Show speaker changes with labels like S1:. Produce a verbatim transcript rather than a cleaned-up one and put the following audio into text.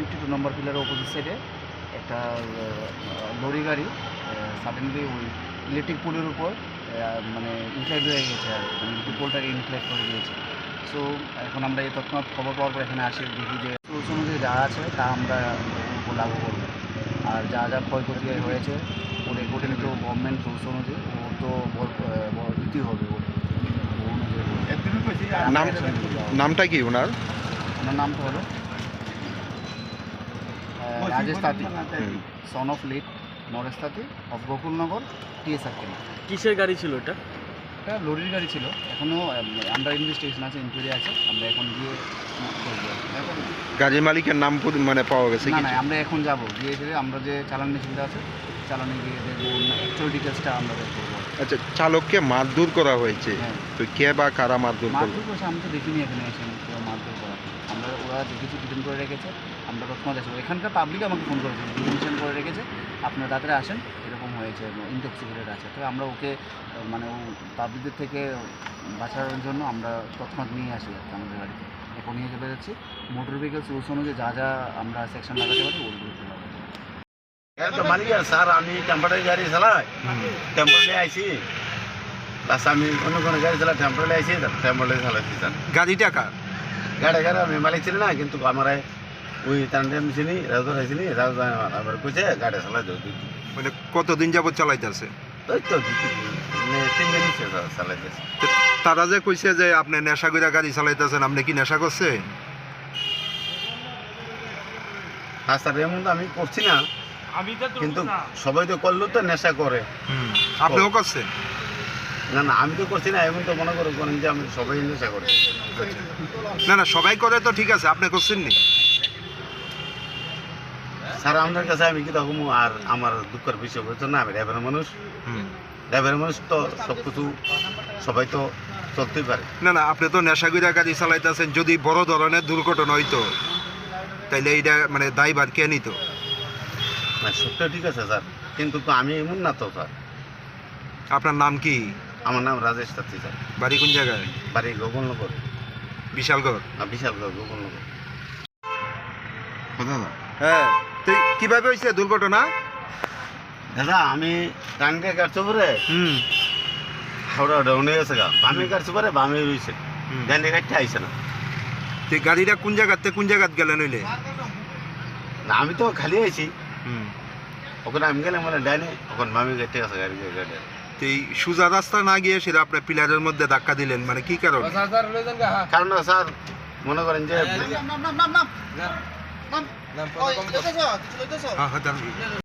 S1: Fifty two নম্বর পিলারের opposite সাইডে একটা লরি গাড়ি সাডেনলি ওই ইলেকট্রিক পোলের উপর মানে ইনফ্লাইট হয়ে গেছে আর মানে ইলেকট্রিক পোলটাকে ইনফ্লাইট করে দিয়েছে। সো এখন আমরা এই তৎক্ষণাৎ খবর পাওয়ার পর এখানে আসি, দেখি যে রুলস অনুযায়ী যা আছে তা আমরা উপর লাগু করবো। আর যা যা ক্ষয়ক্ষতি হয়েছে ওর রিপোর্টে তো গভর্নমেন্ট রুলস অনুযায়ী ওর তো দিতেই হবে। ওর
S2: নাম নামটা কি ওনার?
S1: ওনার নামটা হলো রাজেশ তাঁতি, সন অফ লিড নরেশ তাঁতি অফ গোকুলনগর টিএস সার্কেল।
S3: কিসের গাড়ি ছিল এটা?
S1: এটা লরির গাড়ি ছিল। এখনও আন্ডার ইনভেস্টিগেশন আছে, ইনকোয়ারি আছে। আমরা এখন গিয়ে
S2: গাড়ির মালিকের নাম মানে পাওয়া গেছে
S1: না
S2: কি?
S1: না আমরা এখন যাব, গিয়ে যে আমরা যে চালান মেশিনটা আছে চালানে গিয়ে দেখবো অ্যাকচুয়াল ডিটেলসটা আমরা বের করবো।
S2: আচ্ছা, চালককে মারধর করা হয়েছে,
S1: হ্যাঁ।
S2: তো কে বা কারা মারধর করলো?
S1: মারধর করেছে আমি তো দেখিনি এখানে এসে কেউ মারধর করা। আমরা ওরা দেখেছি ডিটেন করে রেখেছে, আমরা তৎক্ষণাৎ আসবো। এখানকার পাবলিক আমাকে ফোন করেছে, ডিটেনশন করে রেখেছে, আপনার তাড়াতাড়ি আসেন, এরকম হয়েছে, ইনটক্সিকেটেড আছে। তো আমরা ওকে মানে ও পাবলিকদের থেকে বাঁচানোর জন্য আমরা তৎক্ষণাৎ নিয়ে আসি আর কি আমাদের গাড়িতে। এখন নিয়ে চলে যাচ্ছি। মোটর ভেহিকলস রুলস অনুযায়ী যা যা আমরা সেকশন লাগাতে পারি ওগুলো লাগাতে পারি।
S4: মালিক স্যার আমি টেম্পোরারি গাড়ি চালাই, টেম্পোরারি আইসি প্লাস আমি অন্য কোনো গাড়ি চালাই, টেম্পোরারি আইসি টেম্পোরারি চালাইছি স্যার।
S2: গাড়িটা কার?
S4: গাড়ি গাড়ি আমি মালিক ছিল না, কিন্তু আমার ওই টান্ডেম চিনি রাজু আইসিনি রাজু আমার কইছে গাড়ি চালাই দিও।
S2: মানে কতদিন যাবত চালাইতেছে?
S4: ওই তো তিন দিন চালাইতেছে।
S2: তারা যে কইছে যে আপনি নেশা করে গাড়ি চালাইতেছেন, আপনি কি নেশা করছেন?
S4: হ্যাঁ স্যার, এমন তো আমি করছি না, কিন্তু সবাই তো করলো তো নেশা করে।
S2: আপনিও করছেন?
S4: না না আমি তো করছি না, এমন তো মনে করো করেন যে আমি সবাই নেশা করে।
S2: না না সবাই করে তো ঠিক আছে, আপনি করছেন নি?
S4: স্যার আপনার কাছে আমি কি তখন আর আমার দুঃখের বিষয় বলছো না, আমি ড্রাইভারের মানুষ, ড্রাইভারের মানুষ তো সব কিছু সবাই তো চলতেই পারে।
S2: না না আপনি তো নেশা করে গাড়ি চালাইতেছেন, যদি বড় ধরনের দুর্ঘটনা হইতো তাইলে এইটা মানে দায়ভার কে নিত?
S4: না সবটা ঠিক আছে স্যার, কিন্তু তো আমি এমন না তো স্যার।
S2: আপনার নাম কি?
S4: আমার নাম রাজেশ তাঁতি স্যার।
S2: বাড়ি কোন জায়গায়?
S4: বাড়ি গোকুলনগর।
S2: বিশালগড়?
S4: বিশালগড় গোকুলনগর। দাদা
S2: হ্যাঁ, তো কিভাবে হয়েছে দুর্ঘটনা?
S4: দাদা আমি টানকে কাটছো পরে
S2: হুম
S4: হাওড়া ডাউনে গেছে গা, বামে কাটছো পরে বামে রয়েছে, ডানে কাটতে আইসে না।
S2: তো গাড়িটা কোন জায়গাতে কোন জায়গাত গেলেন হইলে?
S4: না আমি তো খালি আইছি,
S2: হুম
S4: ওখানে আমি গেলাম মানে ডাইনে, ওখানে বামে কাটতে গেছে গাড়ি গাড়ি।
S2: তো এই সোজা রাস্তা না গিয়ে সেটা আপনার পিলারের মধ্যে ধাক্কা দিলেন, মানে কি কারণ?
S4: কারণ স্যার মনে করেন যে
S2: হ্যাঁ হ্যাঁ